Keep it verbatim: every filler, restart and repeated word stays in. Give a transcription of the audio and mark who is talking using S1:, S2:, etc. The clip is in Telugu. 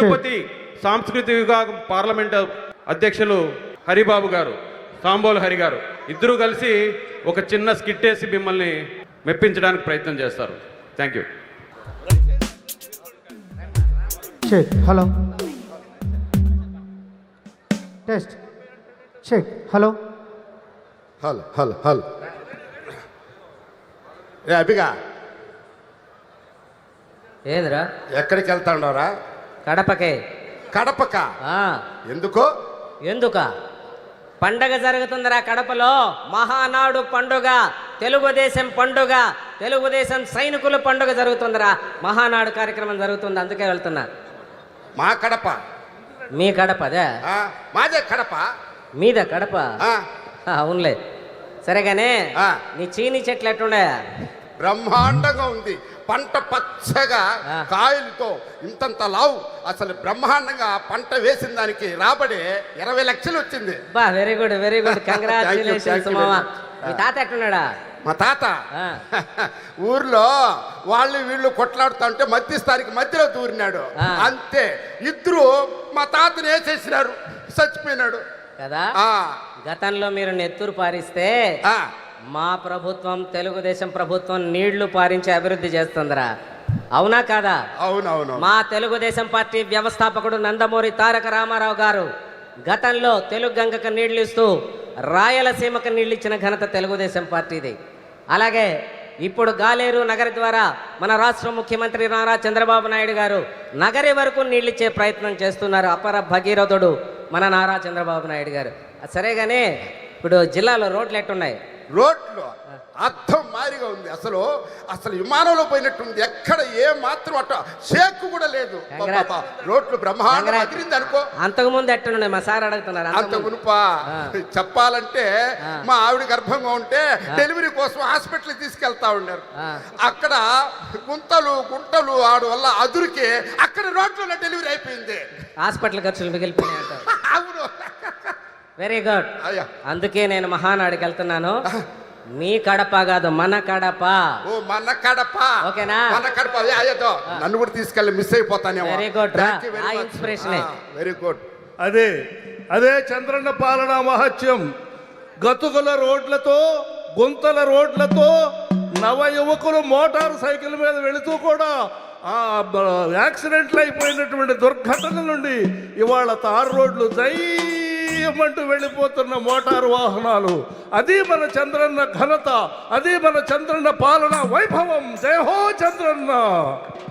S1: తిరుపతి సాంస్కృతిక విభాగం పార్లమెంట్ అధ్యక్షులు హరిబాబు గారు, సాంబోలు హరి గారు ఇద్దరూ కలిసి ఒక చిన్న స్కిట్ వేసి మిమ్మల్ని మెప్పించడానికి ప్రయత్నం చేస్తారు. Thank you.
S2: Check. Hello test check. Hello
S3: hello hello hello ఏ అభిగా
S4: ఏంద్రా?
S3: ఎక్కడికి వెళ్తా ఉండవరా?
S4: కడపకే.
S3: కడపక?
S4: ఆ,
S3: ఎందుకో?
S4: ఎందుక? పండగ జరుగుతుందిరా కడపలో. మహానాడు పండుగ, తెలుగుదేశం పండుగ, తెలుగుదేశం సైనికుల పండుగ జరుగుతుందిరా. మహానాడు కార్యక్రమం జరుగుతుంది, అందుకే వెళ్తున్నా.
S3: మా కడప?
S4: మీ కడప అదే?
S3: ఆ, మాదే కడప.
S4: మీద కడప?
S3: ఆ,
S4: అవునులే. సరేగానే
S3: ఆ.
S4: నీ చీని చెట్లు ఎట్లుండే?
S3: బ్రహ్మాండంగా ఉంది. పంట పచ్చగా
S4: ఆ.
S3: కాయలతో ఇంతంత లావు. అసలు బ్రహ్మాండంగా పంట వేసిన దానికి రాబడి ఇరవై లక్షలు వచ్చింది.
S4: బా, very good very good,
S3: Thank you,
S4: congratulations
S3: thank you
S4: మామ.
S3: very much.
S4: మీ తాత ఎట్లున్నాడా?
S3: మా తాత
S4: ఆ.
S3: ఊర్లో వాళ్ళు వీళ్ళు కొట్లాడుతా ఉంటే మధ్యస్థానికి మధ్యలో దూరినాడు.
S4: ఆ.
S3: అంతే, ఇద్దరు మా తాతని వేసేసినారు, చచ్చిపోయినాడు
S4: కదా.
S3: ఆ.
S4: గతంలో మీరు నెత్తురు పారిస్తే
S3: ఆ.
S4: మా ప్రభుత్వం, తెలుగుదేశం ప్రభుత్వం నీళ్లు పారించి అభివృద్ధి చేస్తుందిరా. అవునా కాదా?
S3: అవునవును.
S4: మా తెలుగుదేశం పార్టీ వ్యవస్థాపకుడు నందమూరి తారక రామారావు గారు గతంలో తెలుగు గంగకు నీళ్లు ఇస్తూ రాయలసీమకు నీళ్ళు ఇచ్చిన ఘనత తెలుగుదేశం పార్టీది. అలాగే ఇప్పుడు గాలేరు నగరి ద్వారా మన రాష్ట్ర ముఖ్యమంత్రి నారా చంద్రబాబు నాయుడు గారు నగరి వరకు నీళ్ళిచ్చే ప్రయత్నం చేస్తున్నారు. అపర భగీరథుడు మన నారా చంద్రబాబు నాయుడు గారు. సరేగానే ఇప్పుడు జిల్లాలో రోడ్లు ఎట్టున్నాయి?
S3: రోడ్లు అర్థం మారిగా ఉంది. అసలు అసలు విమానంలో పోయినట్టుంది. ఎక్కడ ఏ మాత్రం అట్ట షేక్ కూడా లేదు.
S4: Congrats.
S3: పాపా, రోడ్లు బ్రహ్మాండం
S4: Congrats.
S3: అదిరింది అనుకో.
S4: అంతకుముందు ఎట్టున్నాయి? మా సార్ అడుగుతున్నారు.
S3: అంత
S4: అంతకుముందు.
S3: ఉనుపా
S4: ఆ.
S3: చెప్పాలంటే
S4: ఆ.
S3: మా ఆవిడ గర్భంగా ఉంటే డెలివరీ కోసం హాస్పిటల్ తీసుకెళ్తా ఉన్నారు.
S4: ఆ.
S3: అక్కడ గుంతలు గుంటలు ఆడు వల్ల అదురికి అక్కడ రోడ్లలో డెలివరీ అయిపోయింది.
S4: హాస్పిటల్ ఖర్చులు మిగిలిపోయినాయి అంటారు.
S3: అవును.
S4: Very good.
S3: అయ్యా,
S4: అందుకే నేను మహానాడికి వెళ్తున్నాను. మీ కడప కాదు, మన కడప.
S3: ఓ మన కడప.
S4: ఓకేనా?
S3: మన కడప. అదే అయ్యతో నన్ను కూడా తీసుకెళ్ళి మిస్ అయిపోతానేమో.
S4: వెరీ గుడ్ రా. ఆ ఇన్స్పిరేషనే.
S3: Very good.
S5: అదే అదే చంద్రన్న పాలన మహత్యం. గతుకుల రోడ్లతో, గుంతల రోడ్లతో నవ యువకులు మోటార్ సైకిల్ మీద వెళుతూ కూడా ఆ యాక్సిడెంట్లు అయిపోయినటువంటి దుర్ఘటన నుండి ఇవాళ తారు రోడ్లు దయ్యమంటూ వెళ్ళిపోతున్న మోటారు వాహనాలు. అది మన చంద్రన్న ఘనత, అది మన చంద్రన్న పాలన వైభవం. జై హో చంద్రన్న.